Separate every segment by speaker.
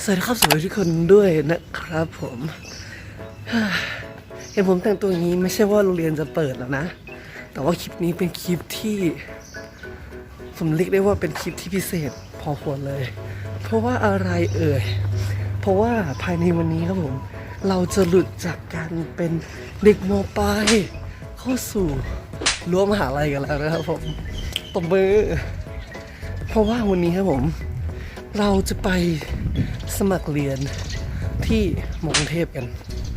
Speaker 1: สวัสดีครับสวัสดีทุกคนด้วยนะครับผมเห็นผมแต่งตัวอย่างนี้ไม่ใช่ว่าโรงเรียนจะเปิดแล้วนะแต่ว่าคลิปนี้เป็นคลิปที่ผมเรียกได้ว่าเป็นคลิปที่พิเศษพอควรเลยเพราะว่าอะไรเอ่ยเพราะว่าภายในวันนี้ครับผมเราจะหลุดจากการเป็นเด็กม.ปลายเข้าสู่รั้วมหาลัยกันแล้วนะครับผมตบมือเพราะว่าวันนี้ครับผมเราจะไปสมัครเรียนที่มกรุงเทพกัน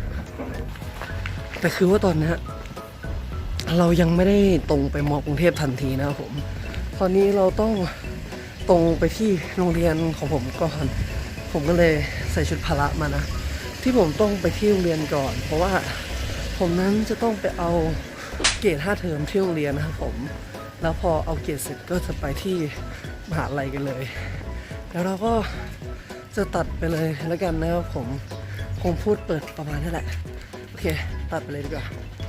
Speaker 1: แต่คือว่าตอนนี้เรายังไม่ได้ตรงไปมกรุงเทพทันทีนะครับผมตอนนี้เราต้องตรงไปที่โรงเรียนของผมก่อนผมก็เลยใส่ชุดพละมานะที่ผมต้องไปที่โรงเรียนก่อนเพราะว่าผมนั้นจะต้องไปเอาเกรด5 เทอมที่โรงเรียนนะครับผมแล้วพอเอาเกรดเสร็จก็จะไปที่มหาลัยกันเลยแล้วเราก็จะตัดไปเลยแล้วกันนะครับผมคงพูดเปิดประมาณนี้แหละโอเคตัดไปเลยดีกว่า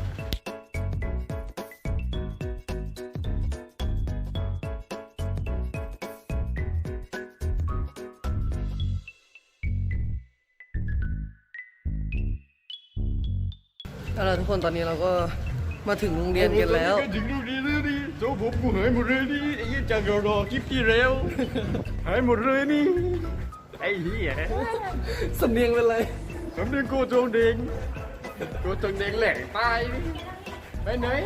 Speaker 1: เอาล่ะทุกคนตอนนี้เราก็มาถึงโรงเรียนกันแล้ว
Speaker 2: ถึงโรงเรียนแล้วนี่โซ่ผมกูหายหมดเลยนี่ไอ้ยี่จากรอคลิปที่แล้วหายหมดเลยนี่ไอ้เหี้ย
Speaker 1: สำเนียงเป็นไร
Speaker 2: สำเนียงโกจงเด้งโกจงเด้งแหลกตายนี่ไปไหน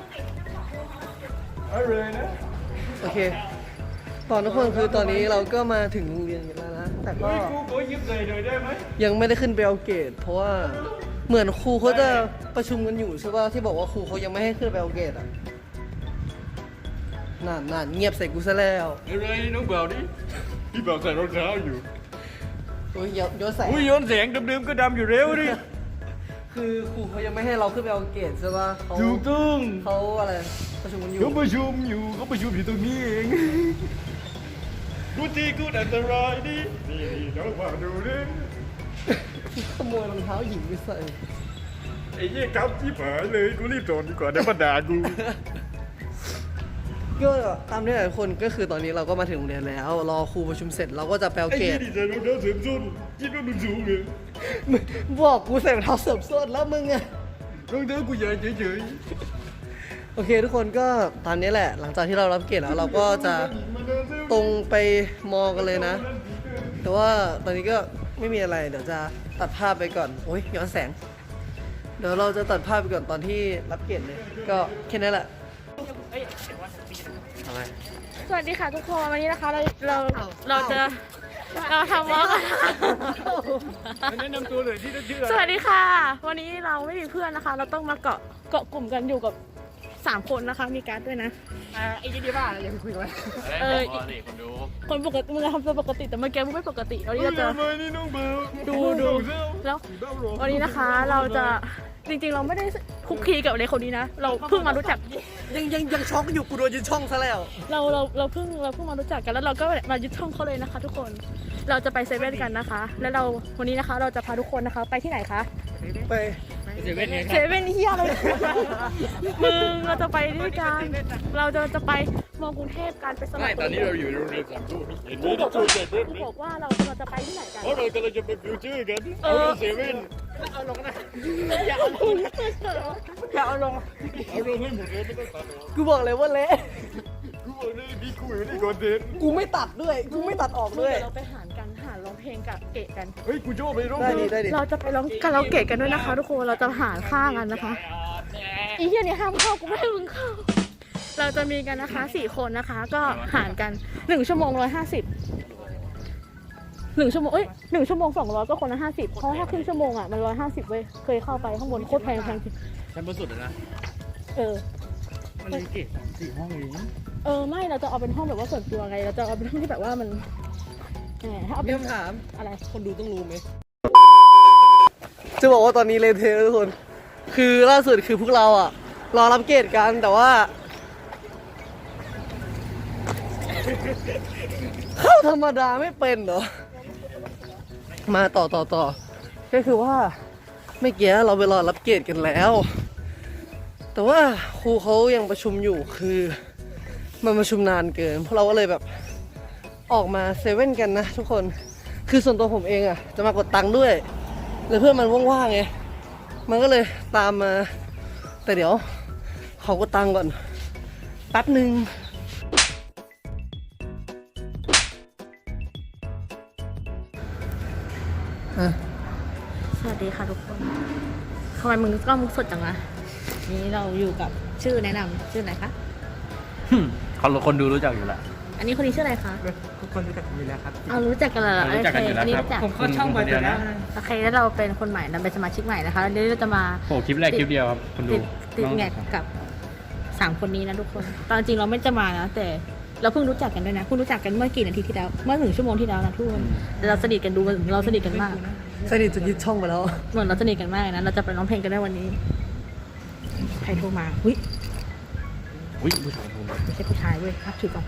Speaker 2: เอาเลยนะ
Speaker 1: โอเคตอนทุกคนคือตอนนี้เราก็มาถึงโรงเรียนกันแล้วนะแต่ก็
Speaker 2: เฮ้ยกูขอยืมหน่อยได้ไหม
Speaker 1: ยังไม่ได้ขึ้นไปเอาเกรดเพราะว่าเหมือนครูเขาจะประชุมกันอยู่ใช่ป่ะที่บอกว่าครูเขายังไม่ให้ขึ้นไปเอาเกรดอ่ะนานเงียบใส่กูซะแล้ว
Speaker 2: อะไรน้องเบาดิพี่เบาใส่รองเท้าอยู่
Speaker 1: โอ้ยเดี๋ยวใส่
Speaker 2: อุ้ยย้อนแสงเดิมๆก็ดำอยู่แล้วดิ
Speaker 1: คือครูเขายังไม่ให้เราขึ้นไปเอาเกรดใช่ป่ะเขา
Speaker 2: ถูกต้อง
Speaker 1: เขาอะไรประชุมกันอยู่
Speaker 2: เขาประชุมอยู่ตรงนี้เองกูตีกูอันตรายดินี่น้องเบาดูดิ
Speaker 1: ขโมยรองเท้าหญิงไปใส่
Speaker 2: ไอ้เหี้ยครับที่ผายเลยกูรีบถอนดีกว่าเดี๋ยวมาด่ากู
Speaker 1: ก็ตามที่หลายคนก็คือตอนนี้เราก็มาถึงโรงเรียนแล้วรอครูประชุมเสร็จเราก็จะไปเอา
Speaker 2: ไอ้
Speaker 1: เกร
Speaker 2: เหี้ย
Speaker 1: ด
Speaker 2: ดิใส่รองเท้าเสริมส้นคิดว่ามึงสูงเลย
Speaker 1: บอกกูใส่รองเท้าเสริมส้นแล้วมึงอะ
Speaker 2: รองเท้ากูใหญ่เฉย
Speaker 1: โอเคทุกคนก็ตามนี้แหละ หลังจากที่เรารับเกรดแล้วเราก็จะ
Speaker 2: ๆมาเดินเร็ว
Speaker 1: ตรงไปมอกันเลยนะ แต่ว่าตอนนี้ก็ไม่มีอะไรเดี๋ยวจะตัดภาพไปก่อนโอ้ยย้อนแสง เดี๋ยวเราจะตัดภาพไปก่อนตอนที่รับเกรดเลยก็แค่นั้นแหละอะไร
Speaker 3: สวัสดีค่ะทุกคนวันนี้นะคะเราทำวอล์ก
Speaker 2: แนะนำตัวเลยที่ชื่อ
Speaker 3: สวัสดีค่ะ วันนี้เราไม่มีเพื่อนนะคะ เราต้องมาเกาะกลุ่มกันอยู่กับ3 คนนะคะมีการ์ดด้วยนะไอ้ยี่ดีบ้าอะไรอย่าคุยกันคนปกติมึงทำตัวปกติแต่เมื่อกี้มึงไม่ปกติวันนี้เราจะ
Speaker 2: มานี่น้องเบล
Speaker 3: ดูแล้ววันนี้นะคะเราจะจริงๆเราไม่ได้คุกคีกับในคนนี้นะเราเพิ่งมารู้จัก
Speaker 1: ยังช็อกอยู่กูโดนยึดช่องซะแล้ว
Speaker 3: เราเพิ่งมารู้จักกันแล้วเราก็มายึดช่องเขาเลยนะคะ ทุกคนเราจะไปเซเว่นกันนะคะ แล้วเราวันนี้นะคะเราจะพาทุกคนนะคะ ไปที่ไหนคะ
Speaker 1: ไป
Speaker 3: เซเว่นเฮียเลยมึงเราจะไปด้วยกันเราจะไปมองกรุงเทพกันไปสมัคร
Speaker 2: ตอนนี้เราอยู่โรงเรียนสามทุ่มเห็นไหม
Speaker 3: กูบอก
Speaker 2: ช่วยเด็กเด็ก
Speaker 3: กูบอกว่าเราจะไปที่ไหนกัน
Speaker 2: เพราะเรากำลังจะไปฟิวเจอร์กันเซเว่น
Speaker 3: อย่าเอาลงอย่าเอาลง
Speaker 2: เอาลงให้หมดเลยไม่ต้องตัดหรอก
Speaker 1: กูบอกเลยว่าเละ
Speaker 2: กูบอกเลยดีกูอยู่ในคอนเทนต์
Speaker 1: กูไม่ตัดด้วยกูไม่ตัดออกด้วย
Speaker 3: เดี๋ยวเราไปหารกันหารร้องเพลงกับเกะกัน
Speaker 2: เฮ้ยกูชอบไปร้อง
Speaker 1: ได้ดิ
Speaker 3: เราจะไปร้องคาราโอเกะกันด้วยนะคะ ทุกคนเราจะหารค่ากันนะคะอีเหี้ยนี่ห้ามเข้ากูไม่ให้มึงเข้า เราจะมีกันนะคะ4 คนนะคะ ก็หารกัน1 ชั่วโมง 150 1 ชั่วโมง1 ชั่วโมง200ก็คนละ50เพราะถ้าครึ่งชั่วโมงอ่ะมัน150เว้ยเคยเข้าไปข้างบนโคตรแพงจริง
Speaker 2: ชั้นบนสุดนะ
Speaker 3: เออ
Speaker 2: มันมีเกต4 ห้องเอง
Speaker 3: ไม่เราจะเอาเป็นห้องแบบว่าส่วนตัวไงเราจะเอาเป็นห้องที่แบบว่ามันแหมถ้าเอา
Speaker 1: มี
Speaker 3: เป็น
Speaker 1: คำถาม
Speaker 3: อะไร
Speaker 1: คนดูต้องรู้ไหมจะบอกว่าตอนนี้เละเทะทุกคนคือล่าสุดคือพวกเราอ่ะรอรับเกรดกันแต่ว่าเข้าธรรมดาไม่เป็นเหรอมาต่อก็คือว่าเมื่อกี้เราไปรอรับเกรดกันแล้ว แต่ว่าครูเขายังประชุมอยู่คือมันประชุมนานเกินพวกเราก็เลยแบบออกมาเซเว่นกันนะทุกคนคือส่วนตัวผมเองอ่ะจะมากดตังค์ด้วยแล้วเพื่อนมันว่างๆไงมันก็เลยตามมาแต่เดี๋ยวขอกดตังค์ก่อนแป๊บหนึ่ง
Speaker 3: สวัสดีค่ะทุกคนทำไมมึงก็มุกสดจังนะนี่เราอยู่กับชื่อแนะนำชื่อไหนคะ
Speaker 2: คนดูรู้จักอยู่แล้ว
Speaker 3: อันนี้คนนี้ชื่ออะไรคะ
Speaker 2: ทุกคนรู้จักอยู่แล้วครับ
Speaker 3: เอารู้จักกันแล้วเหรอ
Speaker 2: รู้จักกันอยู่แล้วครับ
Speaker 3: รู้จัก
Speaker 2: ผมเข้าช่องบ่อยอยู่แล้ว
Speaker 3: โอเคแล้วเราเป็นคนใหม่เราเป็นสมาชิกใหม่นะคะแล้วเดี๋ยวเราจะมา
Speaker 2: โอ้คลิปแรกคลิปเดียวครับคนดู
Speaker 3: ติดแงกกับ3คนนี้นะทุกคนตอนจริงเราไม่จะมานะแต่เราเพิ่งรู้จักกันด้วยนะเพิ่งรู้จักกันเมื่อกี่นาทีที่แล้วเมื่อ1 ชั่วโมงที่แล้วนะทุกคนแต่เราสนิทกันดูเราสนิทกันมาก
Speaker 1: สนิทจนยึดช่องไปแล้ว
Speaker 3: เหมือนเราสนิทกันมากเลยนะเราจะไปร้องเพลงกันได้วันนี้ใครโทรมาอุ้ย
Speaker 2: อุ้ยผู้ชายโทรมา
Speaker 3: ไม่ใช่ผู้ชายเว้ยรับถือก่อน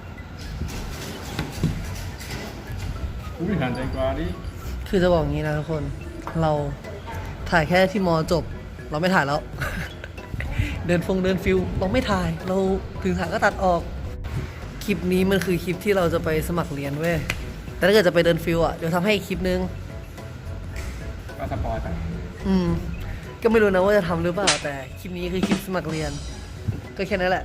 Speaker 2: อุ้ยหันใจกว่าดิ
Speaker 1: คือจะบอกงี้นะทุกคนเราถ่ายแค่ที่มอจบ เราไม่ถ่ายแล้ว เดินฟิลเราไม่ถ่ายเราถึงถ่ายก็ตัดออกคลิปนี้มันคือคลิปที่เราจะไปสมัครเรียนเว้ยแต่ถ้าเกิดจะไปเดินฟิลอ่ะเดี๋ยวทำให้อีกคลิปนึง
Speaker 2: ก็สปอยไป
Speaker 1: ก็ไม่รู้นะว่าจะทำหรือเปล่าแต่คลิปนี้คือคลิปสมัครเรียน ก็แค่นั้นแหละ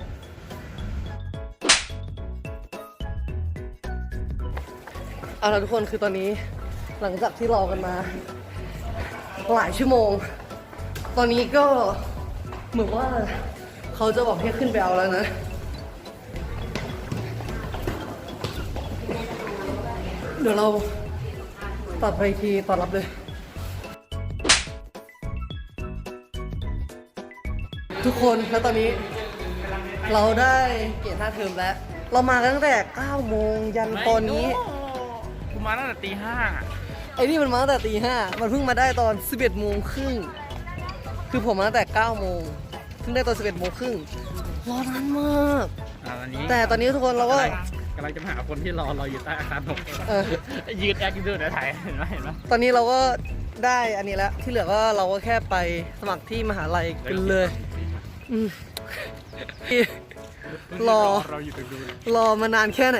Speaker 1: เอาล่ะทุกคนคือตอนนี้หลังจากที่รอกันมาหลายชั่วโมง ตอนนี้ก็เหมือนว่าเขาจะบอกให้ขึ้นไปเอาแล้วนะเดี๋ยวเราตัดไปทีตอนรับเลยทุกคนแล้วตอนนี้เราได้เกรด5 เทอมแล้ว เรามากันตั้งแต่9 โมงยันตอนนี้
Speaker 2: กูมาตั้งแต่ตี 5
Speaker 1: ไอ้นี่มันมาตั้งแต่ตี 5มันเพิ่งมาได้ตอน 11 โมงครึ่งคือผมมาตั้งแต่9 โมงเพิ่งได้ตอน 11 โมงครึ่งรอนานมาก แต่ตอนนี้ทุกคนเราก็
Speaker 2: กำลังจะหาคนที่รออยู่ใต้อาคารผม ยืนแอคยืนเดี๋ยวถ่ายเห็นไหม
Speaker 1: ตอนนี้เราก็ได้อันนี้แล้วที่เหลือก็เราก็แค่ไปสมัครที่มหาลัยกันเลยรอ
Speaker 2: เราอยู่ตรงนู้น
Speaker 1: รอมานานแค่ไหน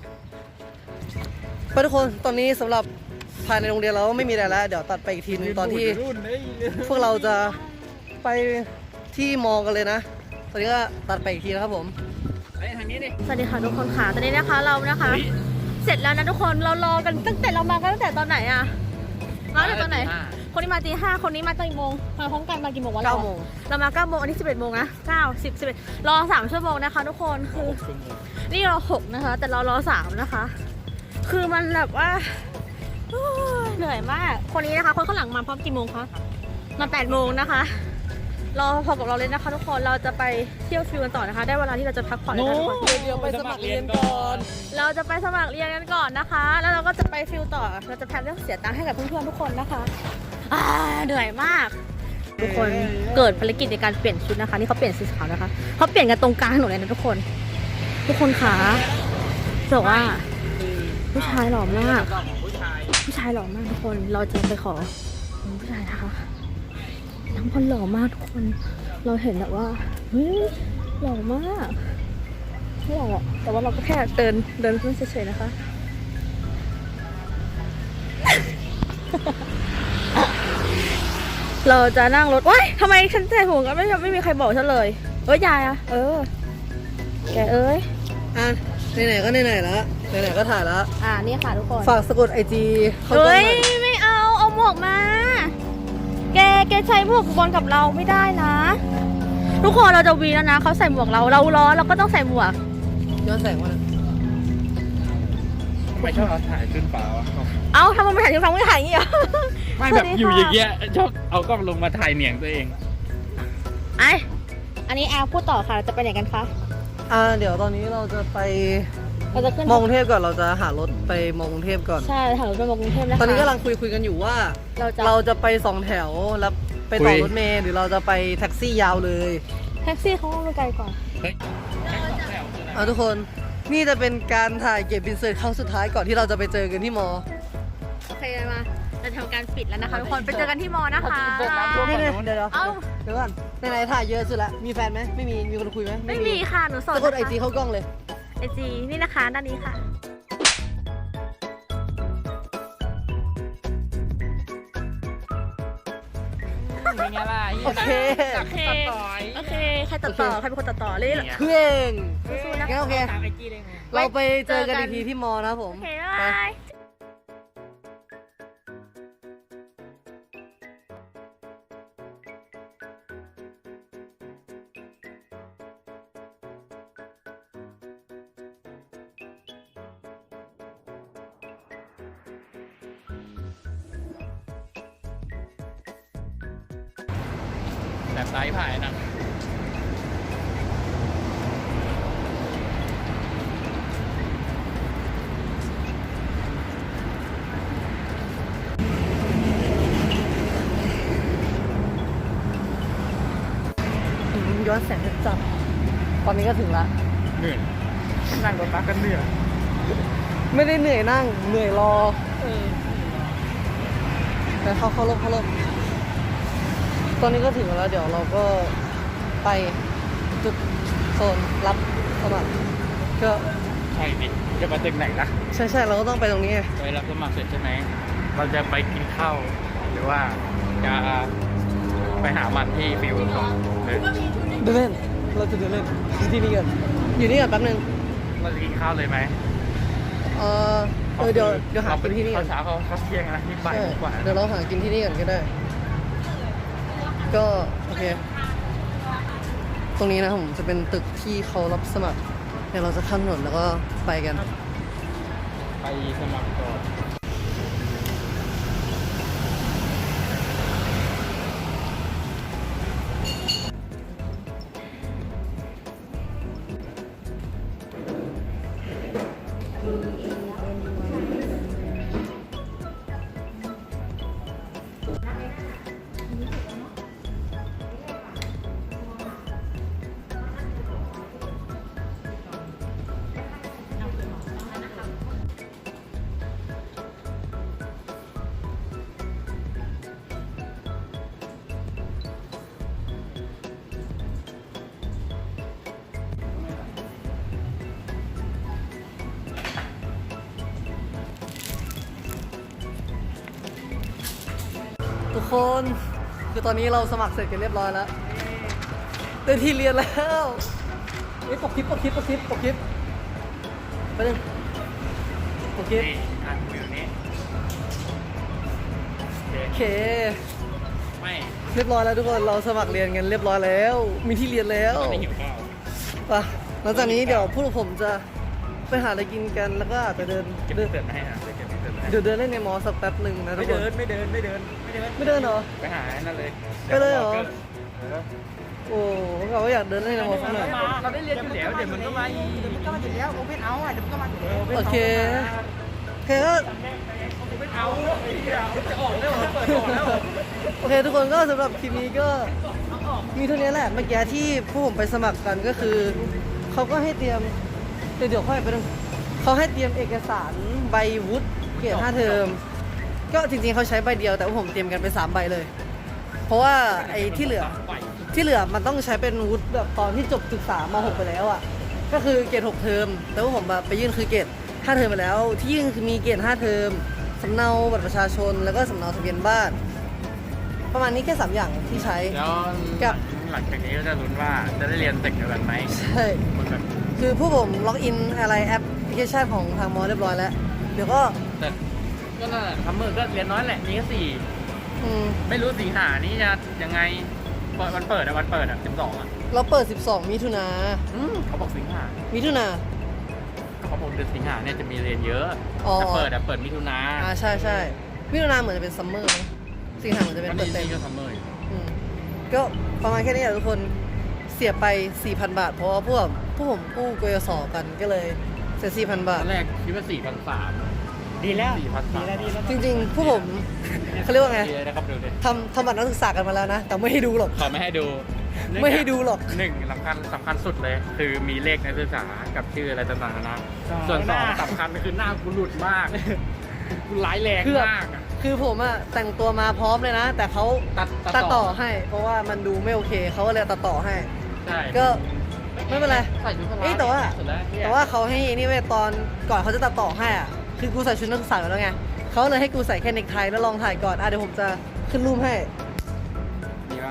Speaker 1: ไปทุกคนตอนนี้สำหรับภายในโรงเรียนเราไม่มีอะไรแล้วเดี๋ยวตัดไปอีกทีนึงตอนที่พวกเราจะไปที่มอกันเลยนะตอนนี้ก็ตัดไปอีกทีนะครับผม
Speaker 2: ไอ้ทางนี้ดิ
Speaker 3: สวัสดีค่ะทุกคนค่ะตอนนี้นะคะเรานะคะ เสร็จแล้วนะทุกคนเรารอกันตั้งแต่เรามากันตั้งแต่ตอนไหนอะมาตั้งแต่ตอนไหนคนนี้มาตี 5คนนี้มากี่โมงมาพร้อมกันมากี่โมงวะเรา
Speaker 1: 9 โมง
Speaker 3: เรามา9 โมงอันนี้11 โมงนะ9 10 11รอ3 ชั่วโมงนะคะทุกคนคือนี่รอ6นะคะแต่เรารอ3นะคะคือมันแบบว่าโอ้ยเหนื่อยมากคนนี้นะคะคนข้างหลังมาพร้อมกี่โมงคะมา8 โมงนะคะรอพอกับเราเลยนะคะทุกคนเราจะไปเที่ยวฟิวกันต่อนะคะได้เวลาที่เราจะพักผ่อนแล้วนะทุกคน
Speaker 1: เดี๋ยวไปสมัครเรียนก่อน
Speaker 3: เราจะไปสมัครเรียนกันก่อนนะคะ แล้วเราก็จะไปฟิลต่อ เราจะแพลนเรื่องเสียตังค์ให้กับเพื่อนๆทุกคนนะคะเหนื่อยมาก ทุกคนเกิดภารกิจในการเปลี่ยนชุดนะคะ นี่เขาเปลี่ยนสีขาวนะคะเขาเปลี่ยนกันตรงกลางถนนเลยนะทุกคน ทุกคนขาจะบอกว่าผู้ชายหล่อมาก ผู้ชายหล่อมากทุกคน เราจะไปขอผู้ชายนะคะทั้งคนหล่อมากทุกคน เราเห็นแบบว่าเฮ้ยหล่อมากไม่หล่อหรอกแต่ว่าเราก็แค่เดินขึ้นเฉยๆนะคะ เราจะนั่งรถว้ายทำไมฉันใส่หูกันไม่มีใครบอกฉันเลยยายอะแก
Speaker 1: อ่ะไหนๆก็ไหนๆแล้วไหนๆก็ถ่ายแล้ว
Speaker 3: นี่ค่ะทุกคน
Speaker 1: ฝากสะกด IG เขาจะ
Speaker 3: เฮ้ยไม่เอาหมวกมาแกใช้หมวกบอลกับเราไม่ได้นะ ทุกคนเราจะวีแล้วนะเขาใส่หมวกเราร้อนเราก็ต้องใส่หมวก
Speaker 1: ย้อนแสงมา
Speaker 2: ไม่ชอบเอาถ่ายขึ้นฟ้าวะ
Speaker 3: ทำไมไม่ถ่ายที่ฟังไม่ถ่ายอย่างงี้เหรอ
Speaker 2: ไม่แบบอยู่อย่างเงี้ยชอบเอากล้องลงมาถ่ายเหนียงตัวเอง
Speaker 3: อันนี้พูดต่อค่ะจะไปไหนกันคะ
Speaker 1: เดี๋ยวตอนนี้เราจะไป
Speaker 3: เราจะขึ้น
Speaker 1: มอกรุงเทพก่อนเราจะหารถไปมอกรุงเทพก่อน
Speaker 3: ใช่ถ่ายรถไปมอกรุงเทพนะคะ
Speaker 1: ตอนนี้กำลังคุยกันอยู่ว่า เราจะไป2 แถวแล้วไปต่อรถเมล์หรือเราจะไปแท็กซี่ยาวเลย
Speaker 3: แท็กซี่เขาไม่ไกลกว่า
Speaker 2: เฮ้ย
Speaker 1: ทุกคนนี่จะเป็นการถ่ายเก็บอินเสิร์ตครั้งสุดท้ายก่อนที่เราจะไปเจอกันที่มอ
Speaker 3: โอเคมาจะทำการปิดแล้วนะคะทุกคนไปเจอกันที่มอนะคะ
Speaker 1: นี่เลยเดี๋ยว
Speaker 3: เอ้า
Speaker 1: ก่อนไหนๆถ่ายเยอะสุดละมีแฟนไหมไม่มีคนคุยไหม
Speaker 3: ไม่มีค่ะหนูโสด
Speaker 1: สะกด IG เข้ากล้องเลย
Speaker 3: IG นี่นะคะด้านนี้ค่ะ
Speaker 2: ไงล่ะ
Speaker 1: โอเค
Speaker 3: โอเคโอเคใครตัดต่อใครเป็นคนตัดต่อเลย
Speaker 1: เพื่อน
Speaker 3: สู้ๆนะ
Speaker 1: งั้นโอเค เราไปเจอกันอีกทีที่มอนะครับผม
Speaker 3: โอเคบ๊ายบาย
Speaker 2: แบบไร้ผ่ายนะ
Speaker 1: ย้อนแสงจับตอนนี้ก็ถึงละ
Speaker 2: เหนื่อยนั่งรถบัสกันเหนื่อย
Speaker 1: ไม่ได้เหนื่อยนั่ง เหนื่อยรอแต่เข้ารถตอนนี้ก็ถึงแล้ว เดี๋ยวเราก็ไปจุดโซนรับสมัครก็
Speaker 2: ใช่ดิจะมาตึกไหนล่ะ
Speaker 1: ใช่เราก็ต้องไปตรงนี้ไง
Speaker 2: ไปรับสมัครเสร็จใช่ไหม เราจะไปกินข้าวหรือว่าจะไปหามันที่ฟิวก่อนหรือ
Speaker 1: เดินเล่น เราจะเดินเล่นอยู่ที่นี่กันอยู่นี่กันแป๊บนึง
Speaker 2: เราจะกินข้าวเลยไหม
Speaker 1: เดี๋ยวหากินที่นี่กั
Speaker 2: เช้าน เขาเที่ยงนะที่บ่าย
Speaker 1: ใช่
Speaker 2: กว่า
Speaker 1: เดี๋ยวเราหากินที่นี่กันก็ได้ ก็โอเค ตรงนี้นะครับผมจะเป็นตึกที่เขารับสมัครเดี๋ยวเราจะข้ามถนนแล้วก็ไปกัน
Speaker 2: ไปสมัครก่อน
Speaker 1: ทุกคนคือตอนนี้เราสมัครเสร็จกันเรียบร้อยแล้วเต็มที่เรียนแล้วปกคลิปไปเลยปกคลิป
Speaker 2: นี่อ่านอยู่นี้โอ
Speaker 1: โอ
Speaker 2: เค
Speaker 1: เค
Speaker 2: ไม่
Speaker 1: เรียบร้อยแล้วทุกคนเราสมัครเรียนกันเรียบร้อยแล้ว มีที่เรียนแล้ว
Speaker 2: ไม่หิวข้าว
Speaker 1: ไปหลังจากนี้เดี๋ยวพวกผมจะไปหาอะไรกินกันแล้วก็อาจจะเดิน
Speaker 2: เก็บเสื้อมาให้นะเก็บเสื้อมาให้
Speaker 1: เดี๋ยวเดินเล่นในมอสักแป๊บหนึ่งนะทุ
Speaker 2: ไม่
Speaker 1: กค
Speaker 2: เดิ
Speaker 1: น
Speaker 2: นไม่เดิน
Speaker 1: ไม่เดินเหรอ
Speaker 2: ไปหานั่นเลย
Speaker 1: ไปเลยเหรอ
Speaker 2: เออ
Speaker 1: โอ้เขาก็อยากเดินเล่นในมอสักหน่อย
Speaker 2: เราได้เรียนอยู่แล้วเดี๋ยวมันก็มาอีก
Speaker 4: เดี๋ยวมันก็มาอยู่แล้วโอเพนเอาอ่ะเดี๋ยวมันก็มาอยู่แล้ว
Speaker 1: โอเคโอเคก็
Speaker 2: เอาจะออกได้หรอเปิดก่อนแล้ว
Speaker 1: โอเคทุกคนก็สำหรับคลิปนี้ก็มีเท่านี้แหละเมื่อกี้ที่พวกผมไปสมัครกันก็คือเขาก็ให้เตรียมเดี๋ยวค่อยไปดูเขาให้เตรียมเอกสารใบวุฒิเกรด5 เทอมก็จริงๆเขาใช้ใบเดียวแต่ว่าผมเตรียมกันไป3 ใบเลย เพราะว่าไอ้ที่เหลือมันต้องใช้เป็นวุฒิแบบตอนที่จบศึกษาม.6 ไปแล้วอ่ะก็คือเกรด6 เทอมแต่ว่าผมแบบไปยื่นคือเกรด5 เทอมไปแล้ว ที่ยื่นคือมีเกรด5 เทอมสำเนาบัตรประชาชนแล้วก็สำเนาทะเบียนบ้าน ประมาณนี้แค่3 อย่างที่ใช้
Speaker 2: แล้ว
Speaker 1: กับ
Speaker 2: หลังจากนี้ก็จะลุ้นว่าจะได้เรียนตึกเดียวกันไหม
Speaker 1: ใช่
Speaker 2: มันแบบ
Speaker 1: คือผู้ผมล็อกอินอะไรแอปพลิเคชันของทางมอเรียบร้อยแล้ว เดี๋ยวก็
Speaker 2: แต่ก็นั่นแหละทัมเมอร์ก็เรียนน้อยแหละนี่ก็4
Speaker 1: อืม
Speaker 2: ไม่รู้สิงหานี่จะยังไงวันเปิดอ่ะ12อ่ะ
Speaker 1: เราเปิด 12 มิถุนา
Speaker 2: เขาบอกสิงหา
Speaker 1: มิถุนา
Speaker 2: เขาบอกเดือนสิงหาเนี่ยจะมีเรียนเยอะ
Speaker 1: อ๋อ
Speaker 2: แต่เปิดอ่ะเปิดมิถุนา
Speaker 1: ใช่มิถุนาเหมือนจะเป็นซัมเมอร์มั้งสิงหาเหมือนจะเป็น
Speaker 2: มัน
Speaker 1: เปิดเต็ม
Speaker 2: นี่ก็ทัมเมอร์อยู่
Speaker 1: อืมก็ประมาณแค่นี้แหละทุกคนเสียไป 4,000 บาท เพราะว่าพวกผมกู้กยศกันก็เลยเสีย 4,000 บา
Speaker 2: ต
Speaker 1: ท
Speaker 2: อนแรกคิดว่า4,300
Speaker 4: ดีแล้ว
Speaker 2: 4,300
Speaker 1: จริงๆผู้ผมเขาเรียกว่าไง
Speaker 2: ดีเลยนะครับดูดิ
Speaker 1: ทำบัตรนักศึกษากันมาแล้วนะ แต่ไม่ให้ดูหรอก
Speaker 2: เขาไม่ให้ดู
Speaker 1: ไม่ให้ดูหรอก
Speaker 2: หนึ่งสำคัญสุดเลย คือมีเลขนักศึกษากับชื่ออะไรต่างๆนะส่วน
Speaker 4: หน้า
Speaker 2: 2สำคัญคือหน้ากูหลุดมากกูร้ายแรง
Speaker 1: คือแบบ
Speaker 2: มากอะ
Speaker 1: คือผมอะแต่งตัวมาพร้อมเลยนะ แต่เขา ตัดต่อให้ เพราะว่ามันดูไม่โอเคเขาก็เลยตัดต่อให้
Speaker 2: ใช่
Speaker 1: ก็ไม่เป็นไร
Speaker 2: ใส่ชุดพละ
Speaker 1: เอ้ยแต่ว่า
Speaker 2: สุดแล้วเนี่ย
Speaker 1: แต่ว่าเขาให้นี่เว้ยตอนก่อนเขาจะตัดต่อให้อ่ะคือกูใส่ชุดนักศึกษาอยู่แล้วไงเขาเลยให้กูใส่แค่เนคไทแล้วลองถ่ายก่อนเดี๋ยวผมจะขึ้นรูปให้
Speaker 2: ดีไหม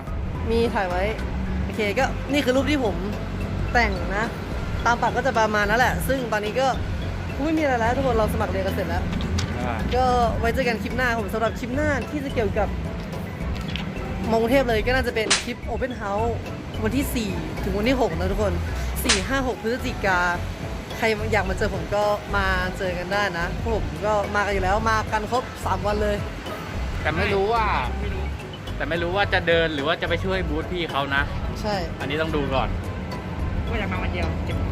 Speaker 1: มีถ่ายไว้โอเคก็นี่คือรูปที่ผมแต่งนะ ตามปากก็จะประมาณนั้นแหละ ซึ่งตอนนี้ก็ไม่มีอะไรแล้วทุกคนเราสมัครเรียนกันเสร็จแล้ว ก็ไว้เจอกันคลิปหน้าผมสำหรับคลิปหน้าที่จะเกี่ยวกับมอกรุงเทพเลยก็น่าจะเป็นคลิป Open House วันที่ 4 ถึงวันที่ 6 นะทุกคน 4 5 6 พฤศจิกาใครอยากมาเจอผมก็มาเจอกันได้นะพวกผมก็มากันอยู่แล้วมากันครบ 3 วันเลย
Speaker 5: แต่ไม่รู้ว่าจะเดินหรือว่าจะไปช่วยบูธพี่เขานะ
Speaker 1: ใช่
Speaker 5: อันนี้ต้องดูก่อน
Speaker 4: ก็อยากมาวันเดียวเจ็บ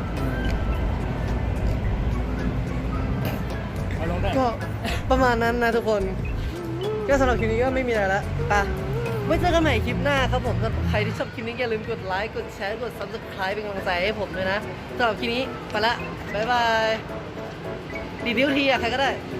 Speaker 4: เอาลงได้
Speaker 1: ก็ประมาณนั้นนะทุกคน ก็สำหรับคลิปนี้ก็ไม่มีอะไรแล้วไปไว้เจอกันใหม่คลิปหน้าครับผมสำหรับใครที่ชอบคลิปนี้อย่าลืมกดไลค์กดแชร์กด Subscribe เป็นกำลังใจให้ผมด้วยนะสำหรับคลิปนี้ไปละบ๊ายบายดีนิ้วทีอะใครก็ได้